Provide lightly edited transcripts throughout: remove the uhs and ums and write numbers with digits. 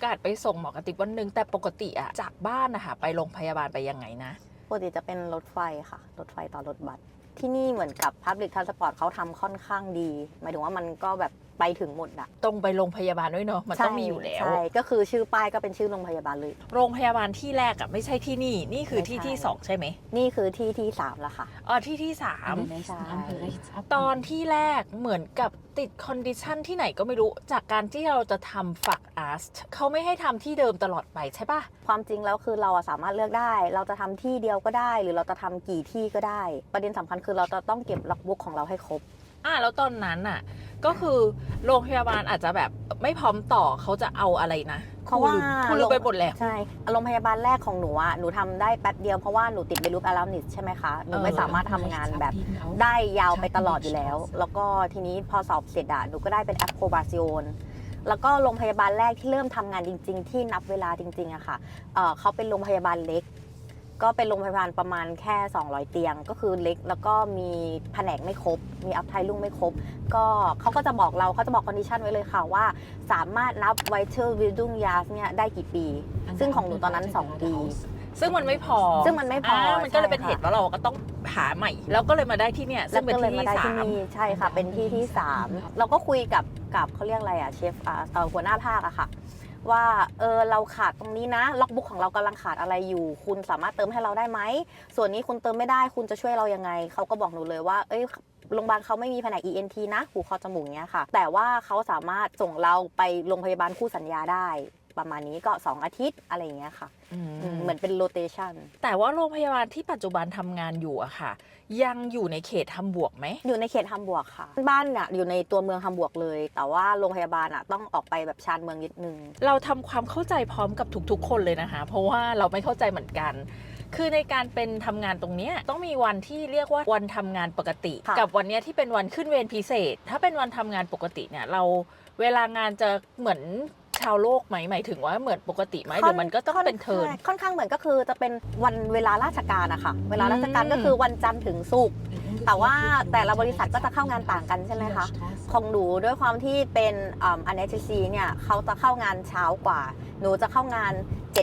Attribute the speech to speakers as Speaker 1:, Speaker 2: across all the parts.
Speaker 1: อกาสไปส่งหมอกระติบวันหนึ่งแต่ปกติอะจากบ้านนะคะไปโรงพยาบาลไปยังไงนะ
Speaker 2: ปกติจะเป็นรถไฟค่ะรถไฟต่อรถบัสที่นี่เหมือนกับ Public Transport เขาทำค่อนข้างดีหมายถึงว่ามันก็แบบไปถึงหมดอะ
Speaker 1: ตรงไปโรงพยาบาลด้วยเนาะมันต้องมีอยู่แล้ว
Speaker 2: ใช่ก็คือชื่อป้ายก็เป็นชื่อโรงพยาบาลเลย
Speaker 1: โรงพยาบาลที่แรกอะไม่ใช่ที่นี่คือที่2ใช่ไหม
Speaker 2: นี่คือที่3แล้วค่ะ
Speaker 1: ที่3
Speaker 2: ใช่
Speaker 1: ตอนที่แรกเหมือนกับติดคอนดิชันที่ไหนก็ไม่รู้จากการที่เราจะทำฝักอาร์ตเขาไม่ให้ทำที่เดิมตลอดไปใช่ปะ
Speaker 2: ความจริงแล้วคือเราสามารถเลือกได้เราจะทำที่เดียวก็ได้ หรือเราจะทำกี่ที่ก็ได้ประเด็นสำคัญคือเราจะต้องเก็บล็อกบุ๊กของเราให้ครบ
Speaker 1: แล้วตอนนั้นน่ะก็คือโรงพยาบาลอาจจะแบบไม่พร้อมต่อเขาจะเอาอะไรนะ
Speaker 2: เพราะว่า
Speaker 1: คุณลืมไปหมดแล้ว
Speaker 2: ใช่โรงพยาบาลแรกของหนูหนูทำได้แป๊บเดียวเพราะว่าหนูติดเบลูปอารานิสใช่ไหมคะหนูไม่สามารถทำงานแบบได้ยาวไปตลอดอยู่แล้วแล้วก็ทีนี้พอสอบเสร็จหนูก็ได้เป็นแอปโคบาซิโอนแล้วก็โรงพยาบาลแรกที่เริ่มทำงานจริงๆที่นับเวลาจริงๆอะค่ะเขาเป็นโรงพยาบาลเล็กก็เป็นโรงพยาบาลประมาณแค่200เตียงก็คือเล็กแล้วก็มีแผนกไม่ครบมีอัพไทลุ่งไม่ครบก็เขาก็จะบอกเราเขาจะบอกคอนดิชันไว้เลยค่ะว่าสามารถนับไวเทอร์วิลดุงยาสเนี่ยได้กี่ปีซึ่งของหนูตอนนั้น2ปี
Speaker 1: ซึ่งมันไม่พอมันก็เลยเป็นเหตุว่าเราก็ต้องหาใหม่แล้วก็เลยมาได้ที่เนี่ยซึ่งเป็นที่ที่3
Speaker 2: ใช่ค่ะเป็นที่3เราก็คุยกับเขาเรียกอะไรเชฟหัวหน้าภาคอะค่ะว่าเราขาดตรงนี้นะล็อกบุ๊กของเรากำลังขาดอะไรอยู่คุณสามารถเติมให้เราได้ไหมส่วนนี้คุณเติมไม่ได้คุณจะช่วยเรายังไงเขาก็บอกหนูเลยว่าโรงพยาบาลเขาไม่มีแผนก ENT นะหูคอจมูกเนี้ยค่ะแต่ว่าเขาสามารถส่งเราไปโรงพยาบาลคู่สัญญาได้ประมาณนี้ก็2อาทิตย์อะไรอย่างเงี้ยค่ะเหมือนเป็นโรเตชัน
Speaker 1: แต่ว่าโรงพยาบาลที่ปัจจุบันทำงานอยู่อะค่ะยังอยู่ในเขตฮัมบวร์กไหม
Speaker 2: อยู่ในเขตฮัมบวร์กค่ะบ้านเนี่ยอยู่ในตัวเมืองฮัมบวร์กเลยแต่ว่าโรงพยาบาลต้องออกไปแบบชานเมืองนิดนึง
Speaker 1: เราทำความเข้าใจพร้อมกับทุกๆคนเลยนะคะเพราะว่าเราไม่เข้าใจเหมือนกันคือในการเป็นทำงานตรงนี้ต้องมีวันที่เรียกว่าวันทำงานปกติกับวันนี้ที่เป็นวันขึ้นเวรพิเศษถ้าเป็นวันทำงานปกติเนี่ยเราเวลางานจะเหมือนชาวโลกไหมหมายถึงว่าเหมือนปกติไหมหรือมันก็ต้องเป็นเทิร์น
Speaker 2: ค่อนข้างเหมือนก็คือจะเป็นวันเวลาราชการอะค่ะเวลาราชการก็คือวันจันทร์ถึงศุกร์แต่ว่าแต่ละบริษัทก็จะเข้างานต่างกันใช่ไหมคะของหนูด้วยความที่เป็นanesthesia เนี่ยเขาจะเข้างานเช้ากว่าหนูจะเข้างาน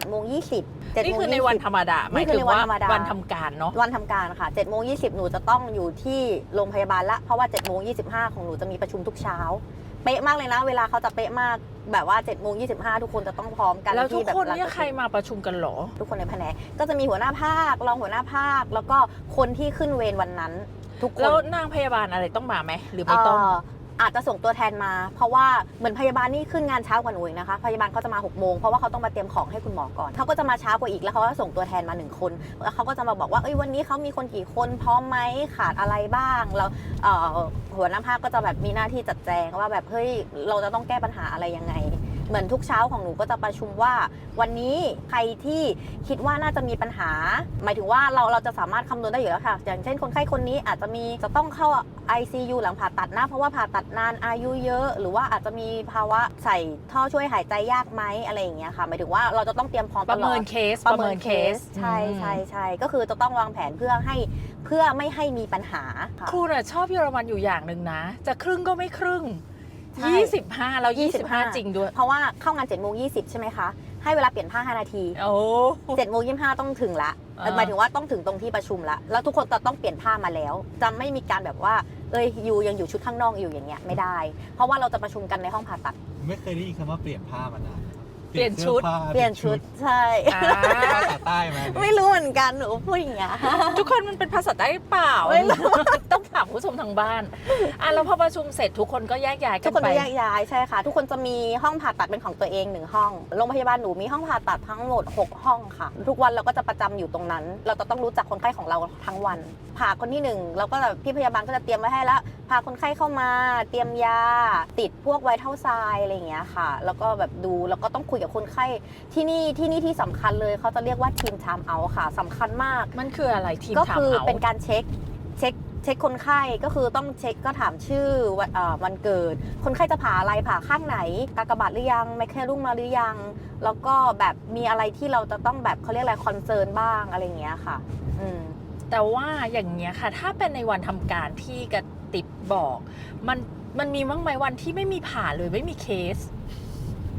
Speaker 2: 7:20
Speaker 1: นี่คือในวันธรรมดาหมายถึงว่าวันทำการเนาะ
Speaker 2: วันทำการค่ะ7:20หนูจะต้องอยู่ที่โรงพยาบาลละเพราะว่า7:25ของหนูจะมีประชุมทุกเช้าเป๊ะมากเลยนะเวลาเขาจะเป๊ะมากแบบว่า7:25ทุกคนจะต้องพร้อมกัน
Speaker 1: แล้วทุกคนเนี่ยใครมาประชุมกันหรอ
Speaker 2: ทุกคนในแผนกก็จะมีหัวหน้าภาครองหัวหน้าภาคแล้วก็คนที่ขึ้นเวรวันนั้นทุกคน
Speaker 1: แล้วนางพยาบาลอะไรต้องมาไหมหรือไม่ต้อง
Speaker 2: อาจจะส่งตัวแทนมาเพราะว่าเหมือนพยาบาลนี่ขึ้นงานเช้ากว่าหนูอีกนะคะพยาบาลเขาจะมา6 โมงเพราะว่าเขาต้องมาเตรียมของให้คุณหมอก่อนเขาก็จะมาเช้ากว่าอีกแล้วเขาก็ส่งตัวแทนมา1 คนแล้วเขาก็จะมาบอกว่าวันนี้เขามีคนกี่คนพร้อมไหมขาดอะไรบ้างแล้วหัวหน้าภาคก็จะแบบมีหน้าที่จัดแจงว่าแบบเฮ้ยเราจะต้องแก้ปัญหาอะไรยังไงเหมือนทุกเช้าของหนูก็จะประชุมว่าวันนี้ใครที่คิดว่าน่าจะมีปัญหาหมายถึงว่าเราจะสามารถคำนวณได้อยู่แล้วค่ะอย่างเช่นคนไข้คนนี้อาจจะต้องเข้า ICU หลังผ่าตัดนะเพราะว่าผ่าตัดนานอายุเยอะหรือว่าอาจจะมีภาวะใส่ท่อช่วยหายใจยากไหมอะไรอย่างเงี้ยค่ะหมายถึงว่าเราจะต้องเตรียมพร้อมตลอด
Speaker 1: ประเมินเคส
Speaker 2: ใช่ก็คือจะต้องวางแผนเพื่อไม่ให้มีปัญหา
Speaker 1: ครูน่ะชอบเยอรมันอยู่อย่างหนึ่งนะจะครึ่งก็ไม่ครึ่ง25แล้ว25จริงด้วย
Speaker 2: เพราะว่าเข้างาน7:20ใช่ไหมคะให้เวลาเปลี่ยนผ้า5 นาที7:25ต้องถึงละหมายถึงว่าต้องถึงตรงที่ประชุมละแล้วทุกคนจะต้องเปลี่ยนผ้ามาแล้วจะไม่มีการแบบว่ายูยังอยู่ชุดข้างนอกอยู่อย่างเงี้ยไม่ได้เพราะว่าเราจะประชุมกันในห้องผ่าตัด
Speaker 3: ไม่เคยได้ยินคำว่าเปลี่ยนผ้ามานาน
Speaker 1: เปลี่ยนชุ
Speaker 2: ดใช่
Speaker 3: ภาษาใต้ไหม
Speaker 2: ไม่รู้เหมือนกันหนูพูดอย่างเงี้ย
Speaker 1: ทุกคนมันเป็นภาษาใต้เปล่าต้องถามผู้ชมทางบ้านแล้วพอประชุมเสร็จทุกคนก็แยกย้ายกันไป
Speaker 2: ทุกคนแยกย้ายใช่ค่ะทุกคนจะมีห้องผ่าตัดเป็นของตัวเอง1 ห้องโรงพยาบาลหนูมีห้องผ่าตัดทั้งหมด6 ห้องค่ะทุกวันเราก็จะประจำอยู่ตรงนั้นเราจะต้องรู้จักคนไข้ของเราทั้งวันผ่าคนที่1เราก็พี่พยาบาลก็จะเตรียมไว้ให้แล้วพาคนไข้เข้ามาเตรียมยาติดพวกไวท์เท่าทรายอะไรอย่างเงี้ยค่ะแล้วก็แบบดูแล้วก็ต้องคุยกับคนไข้ที่นี่ที่สำคัญเลยเขาจะเรียกว่าทีมไทม์เอาท์ค่ะสำคัญมาก
Speaker 1: มันคืออะไรทีม
Speaker 2: ก็คือเป็นการเช็คคนไข้ก็คือต้องเช็คก็ถามชื่อวันเกิดคนไข้จะผ่าอะไรผ่าข้างไหนกากบาทหรือยังไมเคลุ่มมาหรือยังแล้วก็แบบมีอะไรที่เราจะต้องแบบเขาเรียกอะไรคอนเซิร์นบ้างอะไรอย่างเงี้ยค่ะ
Speaker 1: แต่ว่าอย่างเงี้ยค่ะถ้าเป็นในวันทำการที่กระติบบอกมันมีบ้างไหมวันที่ไม่มีผ่าเลยไม่มีเคส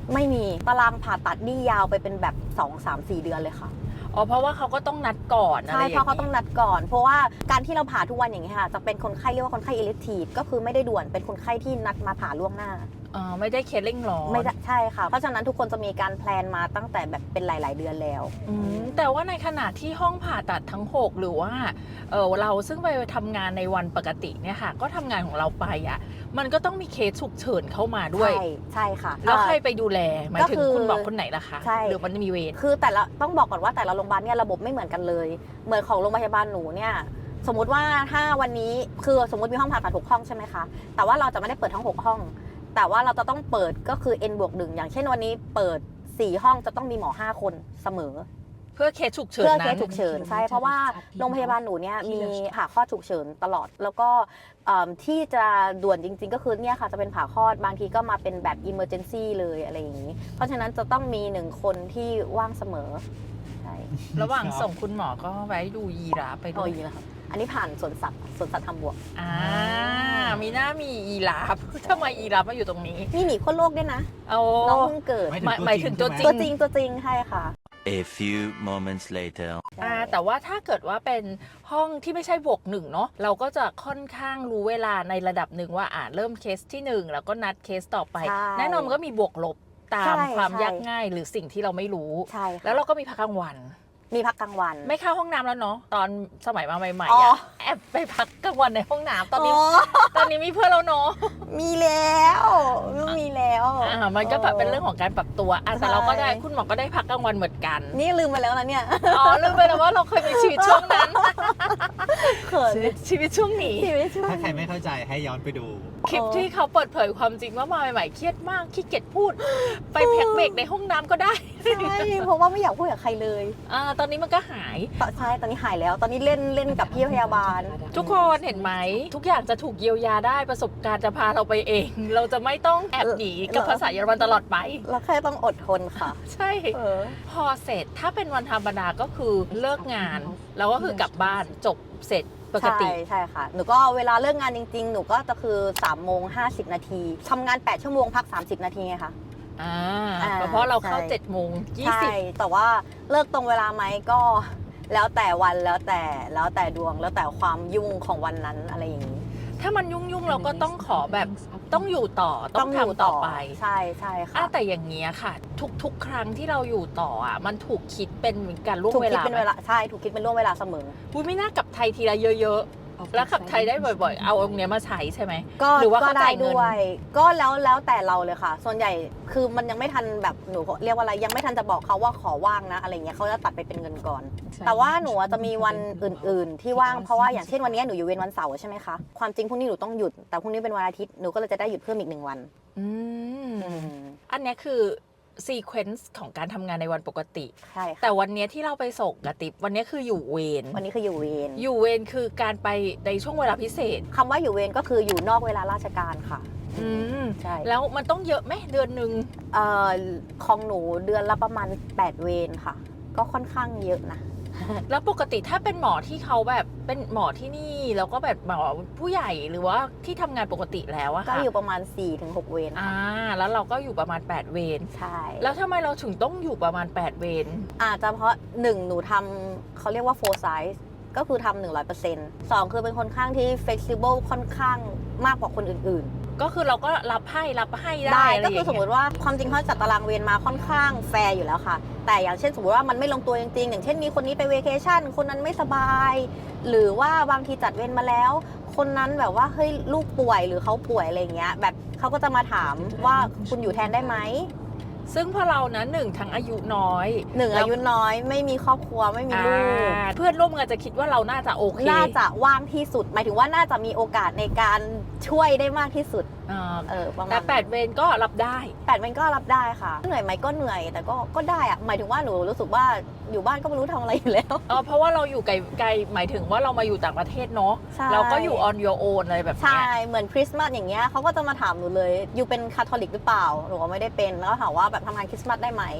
Speaker 2: ไม่มีตารางผ่าตัดนี่ยาวไปเป็นแบบ2 3 4 เดือนเลยค่ะ
Speaker 1: อ๋อเพราะว่าเขาก็ต้องนัดก่อนอะไร
Speaker 2: ใช่
Speaker 1: อย่าง
Speaker 2: เพราะเขา
Speaker 1: นี้
Speaker 2: ต้องนัดก่อน เพราะว่าการที่เราผ่าทุกวันอย่างนี้ยค่ะจะเป็นคนไข้เรียกว่าคนไข้ elective ก็คือไม่ได้ด่วนเป็นคนไข้ที่นัดมาผ่าล่วงหน้า
Speaker 1: ไม่ได้เคสเร่งร้อน
Speaker 2: ไม่ได้ใช่ค่ะ เพราะฉะนั้นทุกคนจะมีการแพลนมาตั้งแต่แบบเป็นหลาย ๆ เดือนแล้ว
Speaker 1: แต่ว่าในขณะที่ห้องผ่าตัดทั้ง 6 หรือว่าเราซึ่งไปทำงานในวันปกติเนี่ยค่ะก็ทำงานของเราไปอ่ะมันก็ต้องมีเคสฉุกเฉินเข้ามาด้วย
Speaker 2: ใช่ค่ะ
Speaker 1: แล้วใครไปดูแลหมายถึง
Speaker 2: ก็คือ
Speaker 1: คุณหมอคนไหนล่ะคะ
Speaker 2: ใช่
Speaker 1: หรือมันมีเวร
Speaker 2: คือแต่ละต้องบอกก่อนว่าแต่ละโรงพยาบาลเนี่ยระบบไม่เหมือนกันเลย เหมือนของโรงพยาบาลหนูเนี่ยสมมติว่าถ้าวันนี้คือสมมติมีห้องผ่าตัด6 ห้องใช่ไหมคะแต่ว่าเราจะไม่ได้เปิดทั้ง6 ห้อง แต่ว่าเราจะต้องเปิดก็คือ n+1 อย่างเช่นวันนี้เปิด4 ห้องจะต้องมีหมอ5 คนเสมอ
Speaker 1: เพื่อเคสฉุกเฉิน
Speaker 2: เพื่อ
Speaker 1: นั้น
Speaker 2: เคสฉุกเฉินใช่เพราะว่าโรงพยาบาลหนูเนี่ยมีผ่าคลอดฉุกเฉินตลอด แล้วก็ที่จะด่วนจริงๆก็คือเนี่ยค่ะจะเป็นผ่าคลอดบางทีก็มาเป็นแบบ emergency เลยอะไรอย่างนี้ เพราะฉะนั้นจะต้องมี1 คนที่ว่างเสมอใช่
Speaker 1: ระหว่างส่งคุณหมอก็ไว้ดูยีราฟไปด้
Speaker 2: โอ้
Speaker 1: วย
Speaker 2: ยแล้วครับอันนี้ผ่านสวนสัตว์ทำบวก
Speaker 1: มีหน้ามียีราฟ ทำไมยีราฟมาอยู่ตรงนี้
Speaker 2: มีหมีขั้วโลกด้วยนะ
Speaker 1: เอา
Speaker 2: น้องเพิ่งเกิด
Speaker 1: หมายถึงตัวจริ
Speaker 2: ตัวจริงใช่ค่ะ
Speaker 4: A few moments later.
Speaker 1: แต่ว่าถ้าเกิดว่าเป็นห้องที่ไม่ใช่บวกหนึ่งเนาะเราก็จะค่อนข้างรู้เวลาในระดับหนึ่งว่าเริ่มเคสที่ 1 แล้วก็นัดเคสต่อไป
Speaker 2: ใช่
Speaker 1: แน่นอนมันก็มีบวกลบตาม
Speaker 2: ใช่
Speaker 1: ความ
Speaker 2: ใช่
Speaker 1: ยากง่ายหรือสิ่งที่เราไม่รู้
Speaker 2: ใช่ค่ะ
Speaker 1: แล้วเราก็มีพักกลางวัน
Speaker 2: มีพักกลางวัน
Speaker 1: ไม่เข้าห้องน้ำแล้วเนาะตอนสมัยมาใหม่
Speaker 2: อ๋
Speaker 1: ๆ
Speaker 2: อ
Speaker 1: แอบไปพักกลางวันในห้องน้ำตอนนี้
Speaker 2: อ๋อ
Speaker 1: ตอนนี้มีเพื่อนแล้วเนาะ
Speaker 2: มีแล้วมีแล้ว
Speaker 1: มันก็แบบเป็นเรื่องของการปรับตัวแต่เราก็ได้คุณหมอก็ได้พักกลางวันเหมือนกัน
Speaker 2: นี่ลืมไปแล้วนะเนี่ย
Speaker 1: ลืมไปแล้วว่าเราเคยมีชีวิตช่วงนั้น
Speaker 2: เขิน
Speaker 1: ชีวิตช่วงนี้
Speaker 2: ชีวิตช่วง
Speaker 3: ถ้าใครไม่เข้าใจให้ย้อนไปดู
Speaker 1: คลิปที่เขาเปิดเผยความจริงว่ามาใหม่ๆเครียดมากขี้เกียจพูด ไปแพ็กเบรกในห้องน้ำก็ได้
Speaker 2: ใช่เพราะว่าไม่อยากพูดกับใครเลย
Speaker 1: ตอนนี้มันก็หาย
Speaker 2: ใช่ตอนนี้หายแล้ว ตอนนี้เล่นกับพี่พยาบาล
Speaker 1: ทุกคนเห็นไหม ทุกอย่างจะถูกเยียวยาได้ประสบการณ์จะพาเราไปเอง เราจะไม่ต้องแอบหนีกับภาษาเยอรมันตลอดไป
Speaker 2: เราแค่ต้องอดทนค่ะ
Speaker 1: ใช่ พอเสร็จถ้าเป็นวันธรรมดาก็คือเลิกงานแล้วก็คือกลับบ้านจบเสร็จปกติ
Speaker 2: ใช่ค่ะ หนูก็เวลาเลิกงานจริงๆ หนูก็จะคือ3:50 นาทีทำงาน8 ชั่วโมงพัก30 นาทีไงคะ
Speaker 1: เพราะเราเข้า
Speaker 2: ใช่
Speaker 1: 7 โมง
Speaker 2: ใช่แต่ว่าเลิกตรงเวลาไหมก็แล้วแต่วันแล้วแต่ดวงแล้วแต่ความยุ่งของวันนั้นอะไรอย่างนี้
Speaker 1: ถ้ามันยุ่งๆเราก็ต้องขอแบบต้องอยู่ต่อต้องทำต่อไป
Speaker 2: ใช่ค่ะ
Speaker 1: แต่อย่างเงี้ยค่ะ ทุกๆครั้งที่เราอยู่ต่อมันถูกคิดเป็นการล่วง
Speaker 2: ถูก
Speaker 1: เว
Speaker 2: คิด
Speaker 1: ลา
Speaker 2: เป็นเวลาใช่ถูกคิดเป็นล่วงเวลาเสมอ
Speaker 1: อุ๊ยไม่น่ากลับไทยทีละเยอะๆ แล้วขับไทยได้บ่อยๆ เอาตรงเนี้ยมาใช้ใช่ไหม
Speaker 2: ก็
Speaker 1: หรือว่า
Speaker 2: ก็
Speaker 1: เขา
Speaker 2: ได้
Speaker 1: จ่ายเงิน
Speaker 2: ด้วย ก็แล้วแต่เราเลยค่ะ ส่วนใหญ่คือมันยังไม่ทันแบบหนูเรียกว่าอะไรยังไม่ทันจะบอกเขาว่าขอว่างนะอะไรเงี้ยเขาจะตัดไปเป็นเงินก่อน แต่ว่าหนูจะมีวันอื่น ๆ ที่ว่างเพราะว่าอย่างเช่นวันนี้หนูอยู่เวรวันเสาร์ใช่ไหมคะความจริงพรุ่งนี้หนูต้องหยุดแต่พรุ่งนี้เป็นวันอาทิตย์หนูก็เลยจะได้หยุดเพิ่มอีก1 วัน
Speaker 1: อันเนี้ยคือซีเควนซ์ของการทำงานในวันปกติ
Speaker 2: ใช่ค่ะ
Speaker 1: แต่วันเนี้ยที่เราไปส่งกระติบวันเนี้ยคืออยู่เวร
Speaker 2: วันนี้คืออยู่เวร
Speaker 1: อยู่เวรคือการไปในช่วงเวลาพิเศษ
Speaker 2: คำว่าอยู่เวรก็คืออยู่นอกเวลาราชการค่ะ ใช่
Speaker 1: แล้วมันต้องเยอะไหมเดือนหนึ่ง
Speaker 2: ของหนูเดือนละประมาณ8 เวรค่ะ ก็ค่อนข้างเยอะนะ
Speaker 1: แล้วปกติถ้าเป็นหมอที่เขาแบบเป็นหมอที่นี่แล้วก็แบบหมอผู้ใหญ่หรือว่าที่ทำงานปกติแล้วอะ
Speaker 2: ก็
Speaker 1: ค่ะ
Speaker 2: อยู่ประมาณ 4-6 เวรค่ะ
Speaker 1: แล้วเราก็อยู่ประมาณ8เวร
Speaker 2: ใช่
Speaker 1: แล้วทำไมเราถึงต้องอยู่ประมาณ8เวร
Speaker 2: อาจจะเพราะ1หนูทำเขาเรียกว่า full size ก็คือทำ 100% 2คือเป็นคนข้างที่ flexible ค่อนข้างมากกว่าคนอื่น
Speaker 1: ก็คือเราก็รับให้
Speaker 2: ๆ
Speaker 1: ได้
Speaker 2: ก็คือสมมติว่าความจริงเขาจัดตารางเวรมาค่อนข้างแฟร์อยู่แล้วค่ะ แต่อย่างเช่นสมมติว่ามันไม่ลงตัวจริงๆ อย่างเช่นมีคนนี้ไปเวเคชั่นคนนั้นไม่สบาย หรือว่าบางทีจัดเวรมาแล้ว คนนั้นแบบว่าเฮ้ยลูกป่วยหรือเขาป่วยอะไรเงี้ยแบบเขาก็จะมาถามว่าคุณอยู่แทนได้ไหม
Speaker 1: ซึ่งพอเรานะหนึ่งทั้งอายุน้อย
Speaker 2: อายุน้อยไม่มีครอบครัวไม่มีลูก
Speaker 1: เพื่อนร่วมงานจะคิดว่าเราน่าจะโอเค
Speaker 2: น่าจะว่างที่สุด หมายถึงว่าน่าจะมีโอกาสในการช่วยได้มากที่สุด ประมาณ
Speaker 1: แต่8เวรก็รับได้
Speaker 2: 8 วันก็รับได้ค่ะเหนื่อยไหมก็เหนื่อยแต่ก็ได้อะหมายถึงว่าหนูรู้สึกว่าอยู่บ้านก็ไม่รู้ทำอะไรอยู่แล้ว
Speaker 1: เพราะว่าเราอยู่ไกลหมายถึงว่าเรามาอยู่ต่างประเทศเนาะ
Speaker 2: ใช่
Speaker 1: เราก็อยู่ on your own อะไรแบบเนี้
Speaker 2: ใช่
Speaker 1: ย
Speaker 2: เหมือนคริสต์มาสอย่างเงี้ยเขาก็จะมาถามหนูเลยอยู่เป็นคาทอลิกหรือเปล่าหนูก็ไม่ได้เป็นแล้วก็ถามว่าแบบทำงานคริสต์มาสได้ไหม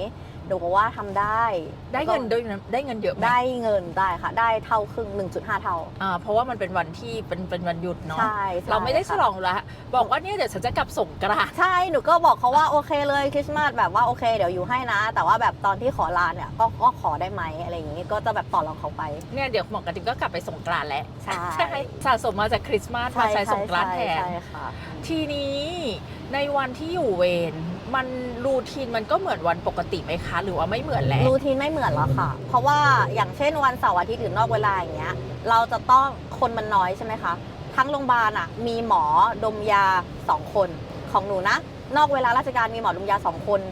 Speaker 2: หนูก็ว่าทำได้
Speaker 1: ได้เงินด้วยนะได้เงินเยอะไหม
Speaker 2: ได้เงินได้ค่ะ ได้เท่าครึ่ง 1.5 เท่า
Speaker 1: เพราะว่ามันเป็นวันที่เป็นวันหยุดเนาะ
Speaker 2: ใช่ใช่
Speaker 1: เราไม่ได้ฉ
Speaker 2: ค่ะ
Speaker 1: ลองละบอกว่าเนี่ยเดี๋ยวฉันจะกลับส่งกรานต์
Speaker 2: ใช่ หนูก็บอกเขาว่าโอเคเลยคริสต์มาสแบบว่าโอเคเดี๋ยวอยู่ให้นะ แต่ว่าแบบตอนที่ขอลาเนี่ยก็ขอได้ไหมอะไรอย่างงี้ก็จะแบบต่อรองเขาไป
Speaker 1: เนี่ยเดี๋ยวหมอกระติบก็กลับไปส่งกรานต์แล้ว
Speaker 2: ใช่
Speaker 1: สะสมมาจากคริสต์มาสมาใช้ส่งกรานต์แทน
Speaker 2: ใช่ค่ะ
Speaker 1: ทีนี้ในวันที่อยู่เวรมันรูทีนมันก็เหมือนวันปกติไหมคะ หรือว่าไม่เหมือนแล้ว
Speaker 2: รูทีนไม่เหมือนหรอกค่ะ เพราะว่าอย่างเช่นวันเสาร์อาทิตย์หรือนอกเวลาอย่างเงี้ยเราจะต้องคนมันน้อยใช่ไหมคะทั้งโรงพยาบาลอ่ะมีหมอดมยา2 คนของหนูนะนอกเวลาราชการมีหมอดมยา2 คน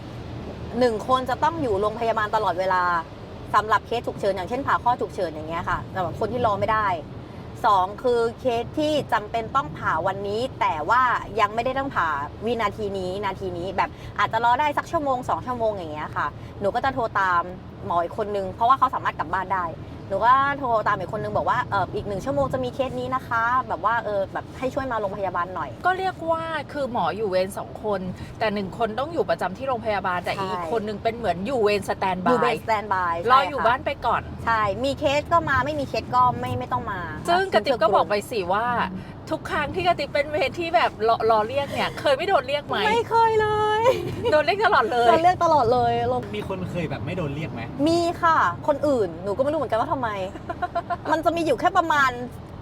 Speaker 2: 1 คนจะต้องอยู่โรงพยาบาลตลอดเวลาสำหรับเคสฉุกเฉินอย่างเช่นผ่าข้อฉุกเฉินอย่างเงี้ยค่ะสำหรับคนที่รอไม่ได้2คือเคสที่จำเป็นต้องผ่าวันนี้ แต่ว่ายังไม่ได้ต้องผ่าวินาทีนี้นาทีนี้แบบอาจจะรอได้สักชั่วโมง2 ชั่วโมงอย่างเงี้ยค่ะหนูก็จะโทรตามหมออีกคนนึงเพราะว่าเขาสามารถกลับบ้านได้หนูก็โทรตามอีกคนนึงบอกว่าอีก1 ชั่วโมงจะมีเคสนี้นะคะแบบว่าแบบให้ช่วยมาโรงพยาบาลหน่อย
Speaker 1: ก็เรียกว่าคือหมออยู่เวร2 คน แต่1 คนต้องอยู่ประจำที่โรงพยาบาลแต่
Speaker 2: ใช่
Speaker 1: อีกคนนึงเป็นเหมือนอยู่เวรสแตน
Speaker 2: อยู่
Speaker 1: บา
Speaker 2: เบ
Speaker 1: ย
Speaker 2: สสแตนบาย
Speaker 1: รออยู่บ้านไปก่อน
Speaker 2: ใช่มีเคสก็มาไม่มีเคสก็ไม่ต้องมา
Speaker 1: ซึ่งกระติบก็บอกไปสิว่าทุกครั้งที่กระติบเป็นเวรที่แบบรอเรียกเนี่ยเคยไม่โดนเรียกไหม
Speaker 2: ไม่เคยเลย
Speaker 1: โดนเรียกตลอดเลย
Speaker 2: เราเรียกตลอดเลย
Speaker 3: มีคนเคยแบบไม่โดนเรียกไหม
Speaker 2: มีค่ะ คนอื่นหนูก็ไม่รู้เหมือนกันว่าทำไม มันจะมีอยู่แค่ประมาณ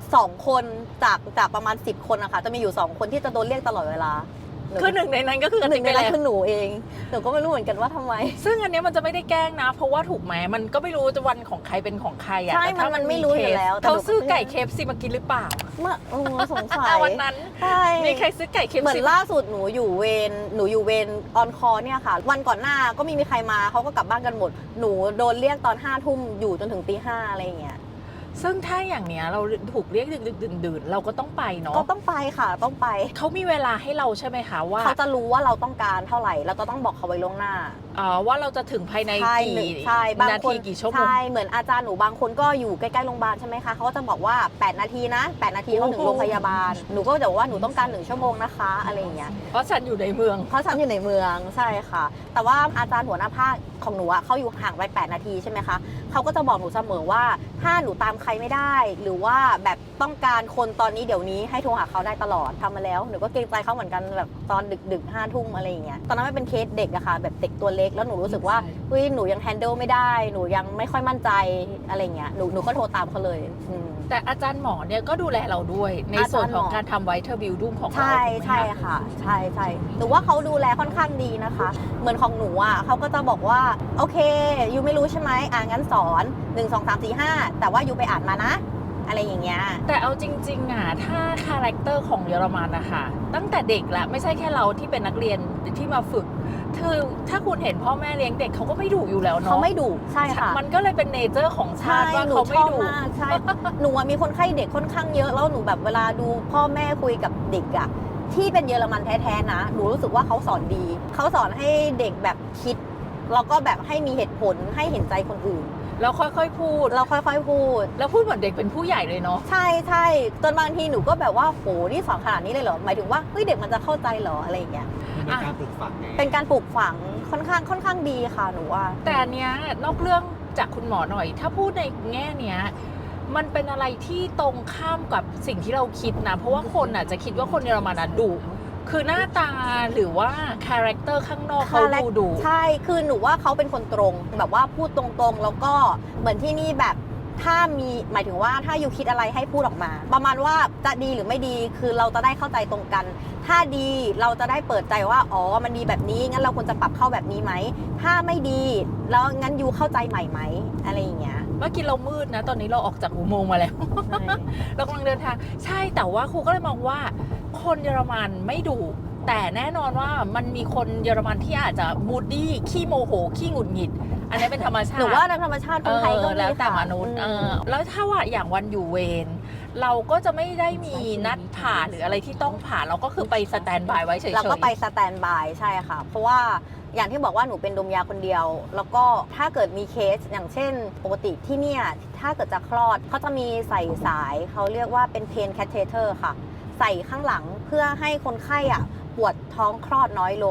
Speaker 2: 2 คนจากประมาณ10 คนนะคะจะมีอยู่2 คนที่จะโดนเรียกตลอดเวลา
Speaker 1: คือหนึ่งในนั้นก็คือกระ
Speaker 2: ห
Speaker 1: ติ
Speaker 2: นึ่
Speaker 1: บ
Speaker 2: ง
Speaker 1: ไป
Speaker 2: ในนั้น
Speaker 1: แล้ว
Speaker 2: คือหนูเองหนูก็ไม่รู้เหมือนกันว่าทำไม
Speaker 1: ซึ่งอันเนี้ยมันจะไม่ได้แกล้งนะ เพราะว่าถูกไหมมันก็ไม่รู้จะวันของใครเป็นของใครอะ
Speaker 2: ใช่
Speaker 1: แต่ถ้า
Speaker 2: มันไม่รู้อยู่แล้วแต่
Speaker 1: เขา
Speaker 2: หนูก็
Speaker 1: ซื้อไก่เคฟซีมากินหรือเปล่า
Speaker 2: เมื่อสงสัย
Speaker 1: วันนั้น
Speaker 2: ใช่
Speaker 1: มีใครซื้อไก่เคฟ
Speaker 2: เหมือ
Speaker 1: ซี
Speaker 2: นล่าสุดหนูอยู่เวรออนคอเนี่ยค่ะ วันก่อนหน้าก็ไม่มีใครมาเขาก็กลับบ้านกันหมดหนูโดนเรียกตอน5 ทุ่มอยู่จนถึงตี 5อะไรอย่างเงี้ย
Speaker 1: ซึ่งถ้าอย่างเนี้ยเราถูกเรียกดึกๆดื่นๆเราก็ต้องไปเนาะ
Speaker 2: ก็ต้องไปค่ะต้องไป
Speaker 1: เขามีเวลาให้เราใช่ไหมคะว่า
Speaker 2: เขาจะรู้ว่าเราต้องการเท่าไหร่เราก็ต้องบอกเขาไว้ล่วงหน้า
Speaker 1: ว่าเราจะถึงภายใน
Speaker 2: ใช่
Speaker 1: กี่
Speaker 2: ใช่บาง
Speaker 1: นา
Speaker 2: ค
Speaker 1: ที
Speaker 2: น
Speaker 1: กี่ชั่วโมง
Speaker 2: ใช่เหมือนอาจารย์หนูบางคนก็อยู่ใกล้ๆโรงพยาบาลใช่ไหมคะเขาก็จะบอกว่า8 นาทีนะ8 นาทีเขาถึงโรงพยาบาลหนูก็จะบอกว่าหนูต้องการ1 ชั่วโมงนะคะอะไรอย่างเงี้ย
Speaker 1: เพราะฉันอยู่ในเมือง
Speaker 2: เพราะฉันอยู่ในเมืองใช่ค่ะ แต่ว่าอาจารย์หัวหน้าภาคของหนูอะเขาอยู่ห่างไป8 นาทีใช่ไหมคะเขาก็จะบอกหนูเสมอว่าถ้าหนูตามใครไม่ได้ หรือว่าแบบต้องการคนตอนนี้เดี๋ยวนี้ให้โทรหาเขาได้ตลอดทำมาแล้วหนูก็เกรงใจเขาเหมือนกันแบบตอนดึกๆ5 ทุ่มอะไรอย่างเงี้ยตอนนั้นไม่เป็นเคสเด็กอะค่ะแบบเด็กตัวเล็กแล้วหนูรู้สึกว่าเฮ้ยหนูยังแฮนเดิลไม่ได้หนูยังไม่ค่อยมั่นใจอะไรเงี้ยหนูก็โทรตามเขาเลย
Speaker 1: แต่อาจารย์หมอเนี่ยก็ดูแลเราด้วย ในส่วนของการทำไวท์เทอร์บิลดุ้งของเรา
Speaker 2: ใช่
Speaker 1: ถูกไหม
Speaker 2: ใช่
Speaker 1: คะ
Speaker 2: ค่ะใช่ใช่หนูว่าเขาดูแลค่อนข้างดีนะคะ เหมือนของหนูอ่ะเขาก็จะบอกว่าโอเคยูไม่รู้ใช่ไหมงั้นสอน1 2 3 4 5แต่ว่ายูไปอ่านมานะ อะไรอย่างเงี้ย
Speaker 1: แต่เอาจริงๆอ่ะถ้าคาแรคเตอร์ของเยอรมันนะคะตั้งแต่เด็กละไม่ใช่แค่เราที่เป็นนักเรียนที่มาฝึกคือถ้าคุณเห็นพ่อแม่เลี้ยงเด็กเขาก็ไม่ดุอยู่แล้วเนาะ
Speaker 2: เขาไม่ดุใช่ค่ะ
Speaker 1: มันก็เลยเป็นเนเจอร์ของชา
Speaker 2: ใช่
Speaker 1: ติว่า
Speaker 2: หนู
Speaker 1: เขา
Speaker 2: ช
Speaker 1: ไม่
Speaker 2: อบ
Speaker 1: ดุ
Speaker 2: มากใช่ หนูอะมีคนไข้เด็กค่อนข้างเยอะแล้วหนูแบบเวลาดูพ่อแม่คุยกับเด็กอะที่เป็นเยอรมันแท้ๆนะหนูรู้สึกว่าเขาสอนดีเขาสอนให้เด็กแบบคิดแล้วก็แบบให้มีเหตุผลให้เห็นใจคนอื่น
Speaker 1: แล้วค่อยๆพูด
Speaker 2: เราค่อยๆพูด
Speaker 1: แล้วพูดเหมือนเด็กเป็นผู้ใหญ่เลยเนาะ
Speaker 2: ใช่ใช่จนบางทีหนูก็แบบว่าโหนี่สอนขนาดนี้เลยเหรอหมายถึงว่าเฮ้ยเด็กมันจะเข้าใจเหรออะไรอย่างเงี้ย
Speaker 3: มันเป็นการปลูกฝังไง
Speaker 2: เป็นการปลูกฝังค่อนข้างดีค่ะหนูว่า
Speaker 1: แต่อันเนี้ยนอกเรื่องจากคุณหมอหน่อย ถ้าพูดในแง่เนี้ยมันเป็นอะไรที่ตรงข้ามกับสิ่งที่เราคิดนะ เพราะว่าคนอ่ะจะคิดว่าคนเยอรมันอ่ะดุคือหน้าตาหรือว่าคาแรคเตอร์ข้างนอกเขาดูดุ
Speaker 2: ใช่คือหนูว่าเขาเป็นคนตรงแบบว่าพูดตรงๆแล้วก็เหมือนที่นี่แบบถ้ามีหมายถึงว่าถ้าอยู่คิดอะไรให้พูดออกมา ประมาณว่าจะดีหรือไม่ดีคือเราจะได้เข้าใจตรงกัน ถ้าดีเราจะได้เปิดใจว่าอ๋อมันดีแบบนี้งั้นเราควรจะปรับเข้าแบบนี้ไหมถ้าไม่ดีแล้วงั้นยูเข้าใจใหม่ไหมอะไรอย่างเงี้ย
Speaker 1: เมื่อกี้เรามืดนะ ตอนนี้เราออกจากอุโมงค์มาแล้ว เรากำลังเดินทางใช่แต่ว่าครูก็เลยมองว่าคนเยอรมันไม่ดุแต่แน่นอนว่ามันมีคนเยอรมันที่อาจจะมูดดี้ขี้โมโหขี้หงุดหงิด อันนี้เป็นธรรมชาติ
Speaker 2: หนูว่าในธรรมชาติคนไทยก็มี
Speaker 1: แล้วแต่
Speaker 2: ค่ะ
Speaker 1: มนุษย์แล้วถ้าว่าอย่างวันอยู่เวรเราก็จะไม่ได้มีนัดผ่าหรืออะไรที่ต้องผ่าเราก็คือไปสแตนบายไว้เฉยๆ
Speaker 2: เราก็ไปสแตนบายใช่ค่ะ เพราะว่าอย่างที่บอกว่าหนูเป็นดมยาคนเดียว แล้วก็ถ้าเกิดมีเคสอย่างเช่นปกติที่เนี่ยถ้าเกิดจะคลอดเขาจะมีใส่สายเขาเรียกว่าเป็นเพนแคทเทอร์ค่ะ ใส่ข้างหลังเพื่อให้คนไข้อ่ะปวดท้องคลอดน้อยลง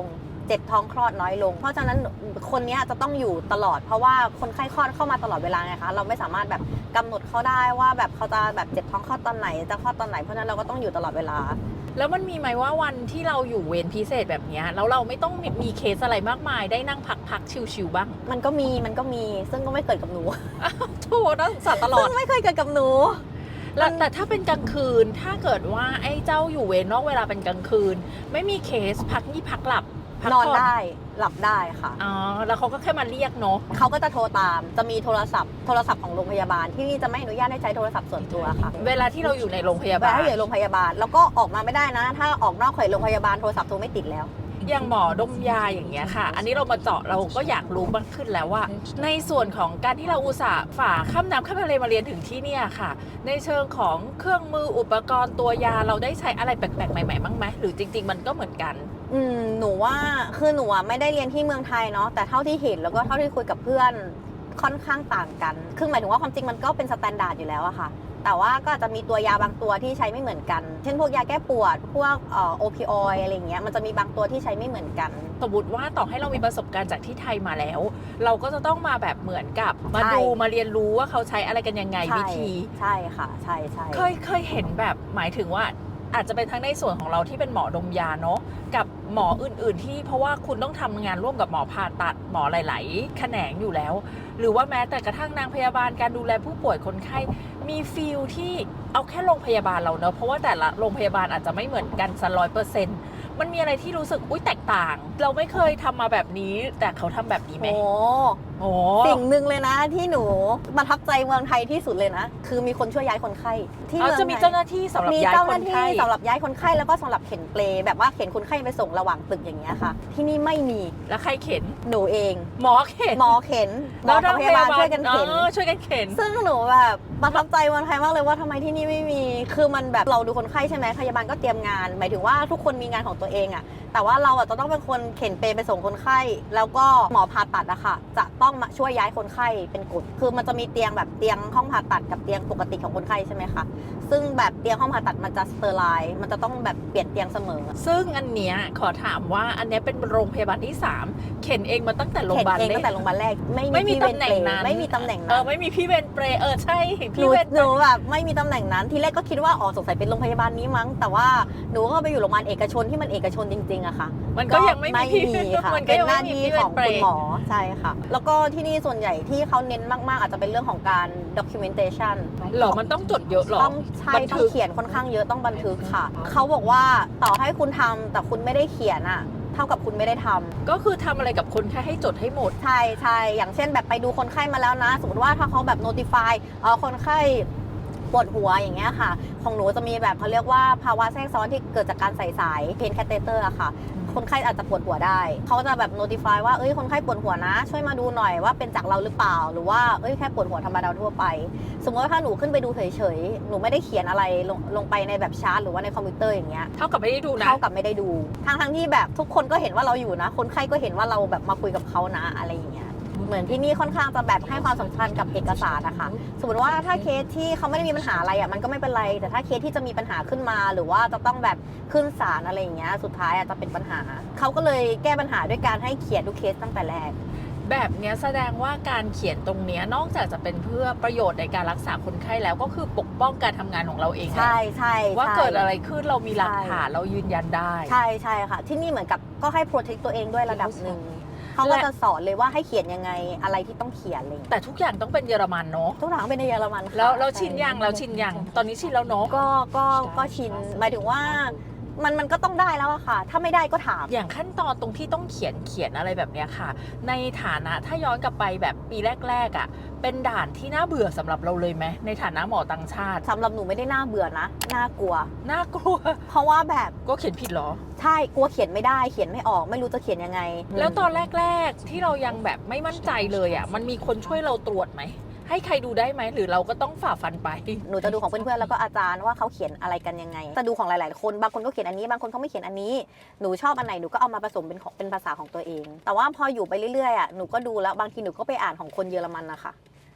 Speaker 2: เจ็บท้องคลอดน้อยลง เพราะฉะนั้นคนนี้จะต้องอยู่ตลอด เพราะว่าคนไข้คลอดเข้ามาตลอดเวลาไงคะเราไม่สามารถแบบกำหนดเขาได้ว่าแบบเขาจะแบบเจ็บท้องคลอดตอนไหนจะคลอดตอนไหนเพราะฉะนั้นเราก็ต้องอยู่ตลอดเวลา
Speaker 1: แล้วมันมีไหมว่าวันที่เราอยู่เวรพิเศษแบบเนี้ยแล้วเราไม่ต้องมีเคสอะไรมากมายได้นั่งพักชิวๆบ้าง
Speaker 2: มันก็มีซึ่งก็ไม่เกิดกับหนู
Speaker 1: โธ่นักศึกษาตลอ
Speaker 2: ซึ่
Speaker 1: ด
Speaker 2: งไม่เคยเกิดกับหนู
Speaker 1: แล้วแต่ถ้าเป็นกลางคืนถ้าเกิดว่าไอ้เจ้าอยู่เวรนอกเวลาเป็นกลางคืน ไม่มีเคสพักนี่พักหลับพัก
Speaker 2: นอน
Speaker 1: ผ่
Speaker 2: ได้หลับได้ค่ะ
Speaker 1: อ๋อแล้วเขาก็แค่มาเรียกเนาะ
Speaker 2: เขาก็จะโทรตามจะมีโทรศัพท์ของโรงพยาบาลที่นี่จะไม่อนุญาตให้ใช้โทรศัพท์ส่วนตัวค่ะ
Speaker 1: เวลาที่เราอยู่ในโรงพยา
Speaker 2: เว
Speaker 1: บา
Speaker 2: ลา
Speaker 1: ล
Speaker 2: ที่อยู่โรงพยาบาลแล้วก็ออกมาไม่ได้นะ ถ้าออกนอกเขตโรงพยาบาลโทรศัพท์โทรไม่ติดแล้ว
Speaker 1: อย่างหมอดมยาอย่างเงี้ยค่ะ อันนี้เรามาเจาะเราก็อยากรู้มากขึ้นแล้วว่า ในส่วนของการที่เราอุตส่าห์ฝ่าข้ามน้ำข้ามทะเลมาเรียนถึงที่เนี่ยค่ะ ในเชิงของเครื่องมืออุปกรณ์ตัวยาเราได้ใช้อะไรแปลกๆใหม่ๆบ้างไหมหรือจริง ๆ มันก็เหมือนกัน
Speaker 2: หนูว่าคือหนูไม่ได้เรียนที่เมืองไทยเนาะแต่เท่าที่เห็นแล้วก็เท่าที่คุยกับเพื่อนค่อนข้างต่างกันคือหมายถึงว่าความจริงมันก็เป็นสแตนดาร์ดอยู่แล้วอะค่ะแต่ว่าก็อาจจะมีตัวยาบางตัวที่ใช้ไม่เหมือนกัน เช่นพวกยาแก้ปวดพวกโอพิออยอะไรเงี้ยมันจะมีบางตัวที่ใช้ไม่เหมือนกัน
Speaker 1: สมมติว่าต่อให้เรามีประสบการณ์จากที่ไทยมาแล้ว เราก็จะต้องมาแบบเหมือนกับมา
Speaker 2: ใช่
Speaker 1: ดูมาเรียนรู้ว่าเขาใช้อะไรกันยังไงวิธี
Speaker 2: ใช่ค่ะใช่
Speaker 1: เคยเห็นแบบหมายถึงว่าอาจจะเป็นทั้งในส่วนของเราที่เป็นหมอดมยาเนาะกับหมออื่นๆที่เพราะว่าคุณต้องทำงานร่วมกับหมอผ่าตัดหมอหลายๆแขนงอยู่แล้ว หรือว่าแม้แต่กระทั่งนางพยาบาลการดูแลผู้ป่วยคนไข้มีฟีลที่เอาแค่โรงพยาบาลเราเนอะเพราะว่าแต่ละโรงพยาบาลอาจจะไม่เหมือนกันซะ100%มันมีอะไรที่รู้สึกอุ้ยแตกต่าง เราไม่เคยทำมาแบบนี้แต่เขาทำแบบนี้ไหม โอ้
Speaker 2: สิ่งหนึ่งเลยนะที่หนูประทับใจเมืองไทยที่สุดเลยนะคือมีคนช่วยย้ายคนไข้ที่
Speaker 1: เอา
Speaker 2: เมือง
Speaker 1: จะมี
Speaker 2: ไทย
Speaker 1: เจ้าหน้าที่สำหรับ
Speaker 2: มี
Speaker 1: ย้าย
Speaker 2: เจ้า
Speaker 1: ค
Speaker 2: หน้าน ที่
Speaker 1: ไข้
Speaker 2: สำหรับย้ายคนไข้แล้วก็สำหรับเข็นเปลแบบว่าเข็นคนไข้ไปส่งระหว่างตึกอย่างเงี้ยค่ะ ที่นี่ไม่มี
Speaker 1: แล้วใครเข็น
Speaker 2: หนูเอง
Speaker 1: หมอเข็น
Speaker 2: หมอเข็นหมอกับพยาบาลช่วยกันเข็น
Speaker 1: ช่วยกันเข็น
Speaker 2: ซึ่งหนูแบบประทับใจเมืองไทยมากเลยว่าทำไมที่นี่ไม่มีคือมันแบบเราดูคนไข้ใช่ไหมพยาบาลก็เตรียมงาน หมายถึงว่าทุกคนมีงานของตัวเองอะแต่ว่าเราอะจะต้องเป็นคนเข็นเปไปส่งคนไข้ แล้วก็หมอผ่าตัดอะค่ะจะต้องมาช่วยย้ายคนไข้เป็นกฎคือมันจะมีเตียงแบบเตียงห้องผ่าตัดกับเตียงปกติของคนไข้ใช่ไหมคะซึ่งแบบเตียงห้องผ่าตัดมันจะสเตอร์ไลน์มันจะต้องแบบเปลี่ยนเตียงเสมอ
Speaker 1: ซึ่งอันเนี้ยขอถามว่าอันเนี้ยเป็นโรงพยาบาลที่ 3 เข็นเองมาตั้งแต่โรงพ
Speaker 2: เข็น
Speaker 1: ยาบาล
Speaker 2: เอง
Speaker 1: เล็
Speaker 2: ตั้งแต่โรงพยาบาลแรกไม่
Speaker 1: ไม่มี
Speaker 2: พี่เว
Speaker 1: ตำแหน่งนั้น
Speaker 2: ไม่มีตำแหน่ง
Speaker 1: เอ
Speaker 2: นั้
Speaker 1: อน ไม่มีพี่เวรเปรย์ใช่
Speaker 2: หนู
Speaker 1: พี่เวร
Speaker 2: หนูแบบไม่มีตำแหน่งนั้นทีแรกก็คิดว่าอ๋อสงสัยเป็นโรงพยาบาลนี้มั้งแต่ว่าหนูก็ไปอยู่โรงพยาบาลเอกชนที่มันเอกชนจริงๆอะค่ะ
Speaker 1: มันก็ยังไม่มีพี่
Speaker 2: ค่ะ
Speaker 1: มันก็
Speaker 2: เป็น
Speaker 1: ยัง
Speaker 2: ห
Speaker 1: ไม่
Speaker 2: น้า
Speaker 1: มี
Speaker 2: ที่
Speaker 1: พี่เว
Speaker 2: ข
Speaker 1: ร
Speaker 2: อง
Speaker 1: เปร
Speaker 2: คุณ
Speaker 1: ย์
Speaker 2: หมอใช่ค่ะ แล้วก็ที่นี่ส่วนใหญ่ที่เขาเน้นมากๆ อาจจะเป็นเรื่องของการ documentation
Speaker 1: หรอมันต้องจดเยอะหรอ
Speaker 2: ต้องใช่
Speaker 1: บัน
Speaker 2: ต้อ
Speaker 1: ทึ
Speaker 2: ง
Speaker 1: ก
Speaker 2: เขียนค่อนข้างเยอะต้องบันทึกค่ะ เขาบอกว่าต่อให้คุณทำแต่คุณไม่ได้เขียนอะเท่ากับคุณไม่ได้ทำ
Speaker 1: ก็คือทำอะไรกับคนแค่ให้จดให้หมด
Speaker 2: ใช่ใช่อย่างเช่นแบบไปดูคนไข้มาแล้วนะ สมมติว่าถ้าเขาแบบ notify คนไข้ปวดหัวอย่างเงี้ยค่ะ ของหนูจะมีแบบเขาเรียกว่าภาวะแทรกซ้อนที่เกิดจากการใส่สายเพนแคเตเตอร์อะค่ะ คนไข้อาจจะปวดหัวได้ เขาจะแบบ notify ว่าเอ้ยคนไข้ปวดหัวนะ ช่วยมาดูหน่อยว่าเป็นจากเราหรือเปล่า หรือว่าเอ้ยแค่ปวดหัวธรรมดาทั่วไป สมมติว่าถ้าหนูขึ้นไปดูเฉยๆ หนูไม่ได้เขียนอะไรลงไปในแบบชาร์ตหรือว่าในคอมพิวเตอร์อย่างเงี้ย
Speaker 1: เท่ากับไม่ได้ดูนะ
Speaker 2: เท่ากับไม่ได้ดู ทั้งที่แบบทุกคนก็เห็นว่าเราอยู่นะ คนไข้ก็เห็นว่าเราแบบมาคุยกับเขานะอะไรอย่างเงี้ย เหมือนที่นี่ค่อนข้างจะแบบให้ความสำคัญกับเอกสารนะคะ สมมติว่าถ้าเคสที่เขาไม่ได้มีปัญหาอะไรอ่ะมันก็ไม่เป็นไร แต่ถ้าเคสที่จะมีปัญหาขึ้นมา หรือว่าจะต้องแบบขึ้นศาลอะไรอย่างเงี้ย สุดท้ายอาจจะเป็นปัญหา เขาก็เลยแก้ปัญหาด้วยการให้เขียนทุกเคสตั้งแต่แรก
Speaker 1: แบบเนี้ยแสดงว่าการเขียนตรงเนี้ยนอกจากจะเป็นเพื่อประโยชน์ในการรักษาคนไข้แล้วก็คือปกป้องการทำงานของเราเองแหละ
Speaker 2: ใช่ใช่
Speaker 1: ว่า
Speaker 2: ใช่
Speaker 1: เกิดอะไรขึ้นเรามีหลักฐานเรายืนยันได้
Speaker 2: ใช่ใช่ค่ะ ที่นี่เหมือนกับก็ให้ protect ตัวเองด้วยระดับหนึ่ง เขาก็จะสอนเลยว่าให้เขียนยังไงอะไรที่ต้องเขียนอะไรอย่างเงี้ย
Speaker 1: แต่ทุกอย่างต้องเป็นเยอรมันเนาะ
Speaker 2: ทุกอย่างเป็นในเยอรมันค่ะ
Speaker 1: แล้วเราชิน
Speaker 2: ใ
Speaker 1: ยังเราชินยังตอนนี้ชินแล้วเนาะ
Speaker 2: ก็ชินหมายถึงว่ามันก็ต้องได้แล้วอะค่ะ ถ้าไม่ได้ก็ถาม
Speaker 1: อย่างขั้นตอนตรงที่ต้องเขียนอะไรแบบเนี้ยค่ะ ในฐานะถ้าย้อนกลับไปแบบปีแรกๆอ่ะเป็นด่านที่น่าเบื่อสำหรับเราเลยไหมในฐานะหมอต่างชาติ
Speaker 2: สำหรับหนูไม่ได้น่าเบื่อนะ น่ากลัว
Speaker 1: น่ากลัว
Speaker 2: เพราะว่าแบบ
Speaker 1: ก็เขียนผิดเหรอ
Speaker 2: ใช่กลัวเขียนไม่ได้เขียนไม่ออกไม่รู้จะเขียนยังไง
Speaker 1: แล้วตอนแรกๆที่เรายังแบบไม่มั่นใจเลยอ่ะมันมีคนช่วยเราตรวจไหมให้ใครดูได้ไหมหรือเราก็ต้องฝ่าฟันไป
Speaker 2: หนูจะดูของเพื่อนๆแล้วก็อาจารย์ว่าเขาเขียนอะไรกันยังไงจะดูของหลายๆคนบางคนก็เขียนอันนี้บางคนเขาไม่เขียนอันนี้หนูชอบอันไหนหนูก็เอามาผสมเป็นภาษาของตัวเอง แต่ว่าพออยู่ไปเรื่อยๆอ่ะหนูก็ดูแล้วบางทีหนูก็ไปอ่านของคนเยอรมันนะคะ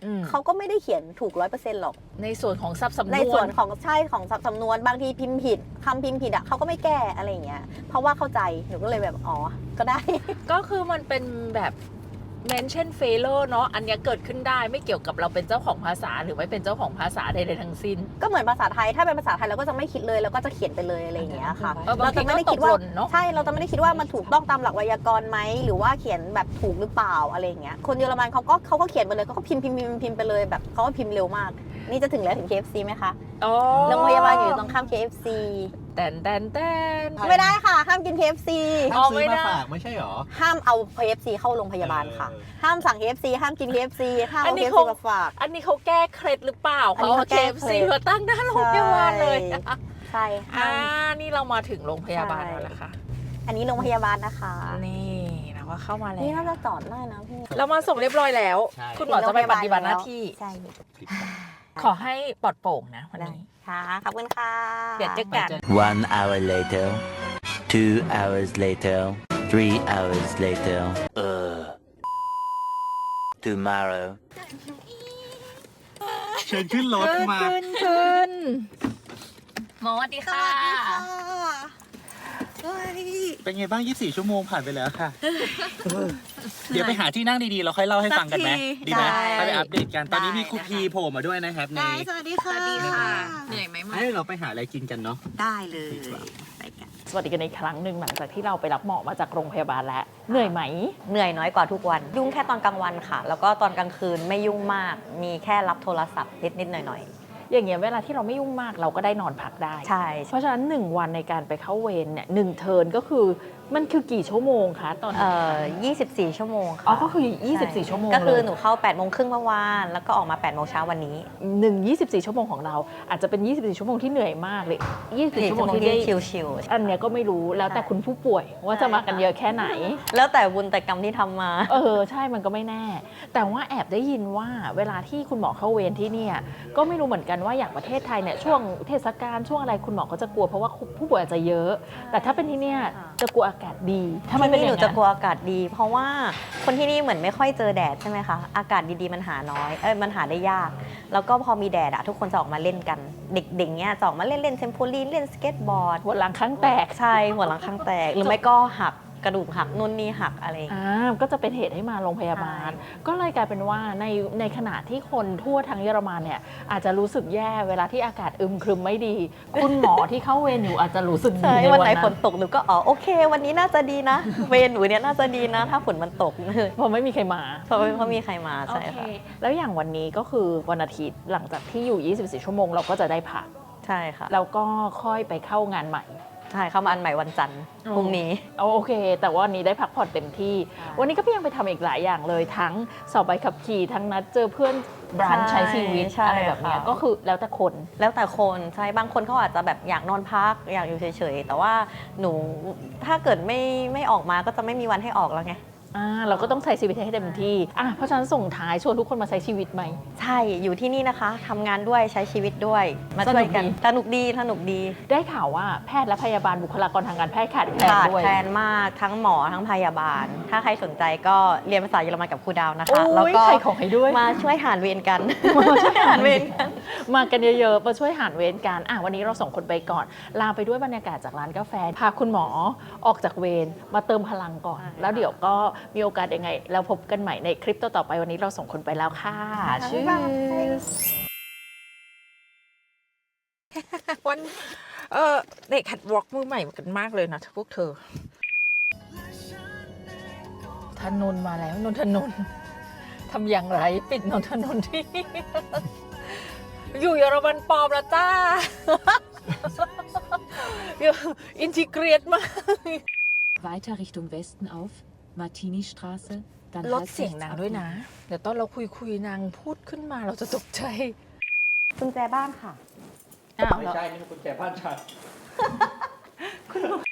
Speaker 2: เขาก็ไม่ได้เขียนถูก 100% หรอก
Speaker 1: ในส่วนของซับสำนวน
Speaker 2: ในส่วนของใช่ของสำนวนบางทีพิมพ์ผิดคำพิมพ์ผิดอ่ะเขาก็ไม่แก้อะไรอย่างเงี้ยเพราะว่าเข้าใจหนูก็เลยแบบอ๋อก็ได้
Speaker 1: ก็คือมันเป็นแบบ mention failure เนาะอันเนี้ยเกิดขึ้นได้ไม่เกี่ยวกับเราเป็นเจ้าของภาษาหรือไม่เป็นเจ้าของภาษาใดๆทั้งสิ้น
Speaker 2: ก็เหมือนภาษาไทยถ้าเป็นภาษาไทยเราก็จะไม่คิดเลยเราก็จะเขียนไปเลยอะไรอย่างเงี้ยค่ะ
Speaker 1: บางทีก็ตกหล่นเนาะ
Speaker 2: ใช่เราจะไม่ได้คิดว่ามันถูกต้องตามหลักไวยากรณ์ไหมหรือว่าเขียนแบบถูกหรือเปล่าอะไรอย่างเงี้ยคนเยอรมันเขาก็เขียนไปเลยเขาก็พิมพ์ไปเลยแบบเขาก็พิมพ์เร็วมากนี่จะถึงแล้วถึง KFC ไหมคะ
Speaker 1: อ๋อ
Speaker 2: โรงพยาบาลอยู่ตรงข้าม KFC
Speaker 1: แตน
Speaker 2: ไม่ได้ค่ะห้ามกิน KFC
Speaker 3: ห้ามซื้อมาฝากไม่ใช่หรอ
Speaker 2: ห้ามเอา KFC เข้าโรงพยาบาลค่ะ ห้ามสั่ง KFC ห้ามกิน KFC ห้ามเอา KFC มาฝาก
Speaker 1: อันนี้เขาแก้เคล็ดหรือเปล่า
Speaker 2: อัน
Speaker 1: เขา
Speaker 2: นี้
Speaker 1: เอา
Speaker 2: เขาแก้
Speaker 1: KFC
Speaker 2: เคล็ด
Speaker 1: มาตั้งหน้าโรงพยาบาลเลย
Speaker 2: ใช่ห้าม
Speaker 1: นี่เรามาถึงโรงพยาบาล
Speaker 2: ใช่
Speaker 1: แล้วล่ะค่ะ
Speaker 2: อันนี้โรงพยาบาลนะคะ
Speaker 1: นี่เราก็เข้ามาแล้ว
Speaker 2: นี่น่าจะจอดได้นะพี่
Speaker 1: เรามาส่งเรียบร้อยแล้ว
Speaker 3: ใช่
Speaker 1: คุณหมอจะไปปฏิบัติหน้าที่
Speaker 2: ใช่
Speaker 1: ขอให้ปลอดโปร่งนะวัน
Speaker 2: ได้
Speaker 1: นี้
Speaker 2: ค่ะขอบคุณค่ะ
Speaker 1: เดี๋ยวเจอกัน
Speaker 4: 1 hour later, 2 hours later, 3 hours later. Tomorrow.
Speaker 3: เชิญขึ้นรถมา
Speaker 1: ขึ้นหมอสวัสดีค่ะ
Speaker 3: เป็นไงบ้าง 24 ชั่วโมงผ่านไปแล้วค่ะ เดี๋ยวไปหาที่นั่งดีๆ เราค่อยเล่าให้ฟังกันไหม
Speaker 2: สักที
Speaker 3: ดีไหม
Speaker 2: ได้
Speaker 3: ไปอัปเดตกัน ตอนนี้
Speaker 2: ได้
Speaker 3: มีครู
Speaker 2: นะคะ
Speaker 3: พีโผล่มาด้วยนะครับใน
Speaker 2: สวัสดีค่ะ
Speaker 1: เหนื่อยไหมมา
Speaker 3: ให้เราไปหาอะไรกินกันเนาะ
Speaker 2: ได้เลยไปกัน
Speaker 1: สวัสดีกันในครั้งหนึ่งหลังจากที่เราไปรับหมอมาจากโรงพยาบาลแล้ว เหนื่อยไหม
Speaker 2: เหนื่อยน้อยกว่าทุกวัน ยุ่งแค่ตอนกลางวันค่ะ แล้วก็ตอนกลางคืนไม่ยุ่งมาก มีแค่รับโทรศัพท์นิดๆหน่อย
Speaker 1: อย่างเงี้ยเวลาที่เราไม่ยุ่งมากเราก็ได้นอนพักได้
Speaker 2: ๆ ใช่
Speaker 1: เพราะฉะนั้น 1 วันในการไปเข้าเวรเนี่ย1เทิร์นก็คือมันคือกี่ชั่วโมงคะตอน
Speaker 2: 24 ชั่วโมงค่ะ
Speaker 1: อ๋อก็คือ
Speaker 2: ใช่
Speaker 1: 24 ชั่วโมง
Speaker 2: ก็คือ
Speaker 1: เลย
Speaker 2: หนูเข้า8โมงครึ่งเมื่อวาน แล้วก็ออกมา8โมงเช้าวันนี้
Speaker 1: 24 ชั่วโมงของเรา อาจจะเป็น 24 ชั่วโมงที่เหนื่อยมากเลย 24 ชั่วโมงที่ได้
Speaker 2: ชิลๆ
Speaker 1: อันเนี้ยก็ไม่รู้แล้วแต่คุณผู้ป่วยว่าจะมากันเยอะแค่ไหน
Speaker 2: แล้วแต่บุญแต่กรรมที่ทำมา
Speaker 1: ใช่มันก็ไม่แน่ แต่ว่าแอบได้ยินว่าเวลาที่คุณหมอเข้าเวรที่เนี่ยก็ไม่รู้เหมือนกันว่าอย่างประเทศไทยเนี่ยช่วงเทศกาลช่วงอะไรคุณหมอก็จะกลัวเพราะว่าผู้ป่วยอาจจะเยอะ แต่ถ้าเป็นที่เนี่ยจะกลัวอากาศดีถ้ามัน
Speaker 2: ที่
Speaker 1: เป็น
Speaker 2: นี่
Speaker 1: อ
Speaker 2: หนู
Speaker 1: ย่าง
Speaker 2: จะ
Speaker 1: นั้น
Speaker 2: กลัวอากาศดี เพราะว่าคนที่นี่เหมือนไม่ค่อยเจอแดดใช่ไหมคะ อากาศดีๆมันหาน้อย มันหาได้ยาก แล้วก็พอมีแดดอะทุกคนจะออกมาเล่นกัน เด็กๆเนี้ยจะออกมาเล่นเทมโพลีนเล่นสเก็ตบอร์ด
Speaker 1: หัวหลังข้างแตก
Speaker 2: ใช่หัวหลังข้างแตก หรือไม่ก็หักกระดูกหักนู่นนี่หักอะไรอย่างเงี้ย
Speaker 1: ก็จะเป็นเหตุให้มาโรงพยาบาล
Speaker 2: ใช่
Speaker 1: ก็เลยกลายเป็นว่าในขณะที่คนทั่วทั้งเยอรมันเนี่ยอาจจะรู้สึกแย่เวลาที่อากาศอึมครึมไม่ดี คุณหมอที่เข้าเวรอยู่อาจจะรู้สึกดี
Speaker 2: ใช่
Speaker 1: ใน
Speaker 2: วัน
Speaker 1: วัน
Speaker 2: ไหน
Speaker 1: นั้
Speaker 2: ฝน
Speaker 1: น
Speaker 2: ตกหนูก็โอเค วันนี้น่าจะดีนะ เวรหนูเนี่ยน่าจะดีนะ ถ้าฝนมันตก
Speaker 1: เพราะไม่มีใครมา
Speaker 2: เพราะมีใครมาใช่ค่ะ
Speaker 1: แล้วอย่างวันนี้ก็คือวันอาทิตย์หลังจากที่อยู่ 24 ชั่วโมงเราก็จะได้พัก
Speaker 2: ใช่ค่ะ
Speaker 1: แล้วก็ค่อยไปเข้างานใหม่
Speaker 2: ใช่เข้ามาอันใหม่วันจันทร์พรุ่งนี้
Speaker 1: โอเค แต่ว่าวันนี้ได้พักผ่อนเต็มที่
Speaker 2: ใช่
Speaker 1: วันนี้ก็ยังไปทำอีกหลายอย่างเลย ทั้งสอบใบขับขี่ ทั้งนัดเจอเพื่อนบรันช์ใช้ชีวิต
Speaker 2: ใช่
Speaker 1: อะไรแบบเนี้ย
Speaker 2: ค่ะ
Speaker 1: ก็คือแล้วแต่คน
Speaker 2: แล้วแต่คนใช่บางคนเขาอาจจะแบบอยากนอนพักอยากอยู่เฉยๆ แต่ว่าหนูถ้าเกิดไม่ออกมาก็จะไม่มีวันให้ออกแล้วไง
Speaker 1: เราก็ต้องใช้ชีวิตให้เต็มที่เพราะฉะนั้นส่งท้ายชวนทุกคนมาใช้ชีวิตไหม
Speaker 2: ใช่อยู่ที่นี่นะคะทำงานด้วยใช้ชีวิตด้วยมาช่วยกันสนุกดี
Speaker 1: ได้ข่าวว่าแพทย์และพยาบาลบุคลากรทางการแพทย์ขาดแคลน
Speaker 2: ขาด
Speaker 1: ด้วย
Speaker 2: แคลนมากทั้งหมอทั้งพยาบาล ถ้าใครสนใจก็เรียนภาษาเยอรมันกับครูดาวนะ
Speaker 1: โอ้
Speaker 2: คะแล้ว
Speaker 1: ย
Speaker 2: ก็
Speaker 1: ใครของให้ด้วย
Speaker 2: มาช่วยหารเวรกัน มาช่วยหารเวรกัน
Speaker 1: มากันเยอะๆ มาช่วยหารเวรกันวันนี้เราส่งคนไปก่อน ลาไปด้วยบรรยากาศจากร้านกาแฟ พาคุณหมอออกจากเวรมาเติมพลังก่อน
Speaker 2: ใช่
Speaker 1: แล้วเดี๋ยวก็มีโอกาสยังไงแล้วพบกันใหม่ในคลิปต่อๆไปวันนี้เราส่งคนไปแล้วค่ะชื่อวันเด็กหัดวอล์กมือใหม่กันมากเลยนะพวกเธอถนนมาแล้วนนทนนท์ทำอย่างไรปิดนนทนนท์ที่ อยู่เยอรมันปลอมแล้วจ้า อินทิเกรตมาก
Speaker 5: Weiter Richtung Westen auf, Martini-Straße, dann
Speaker 1: ลด
Speaker 5: halb
Speaker 1: เสียง
Speaker 5: rechts
Speaker 1: นาง
Speaker 5: ab
Speaker 1: ด้วยนะ เดี๋ยวตอนเราคุยนางพูดขึ้นมาเราจะตกใจ
Speaker 2: กุญแจบ้านค่ะ
Speaker 1: อ้าว
Speaker 3: ไม่ใช่ นี่มันกุญแจบ้านฉัน
Speaker 1: คุณหมอ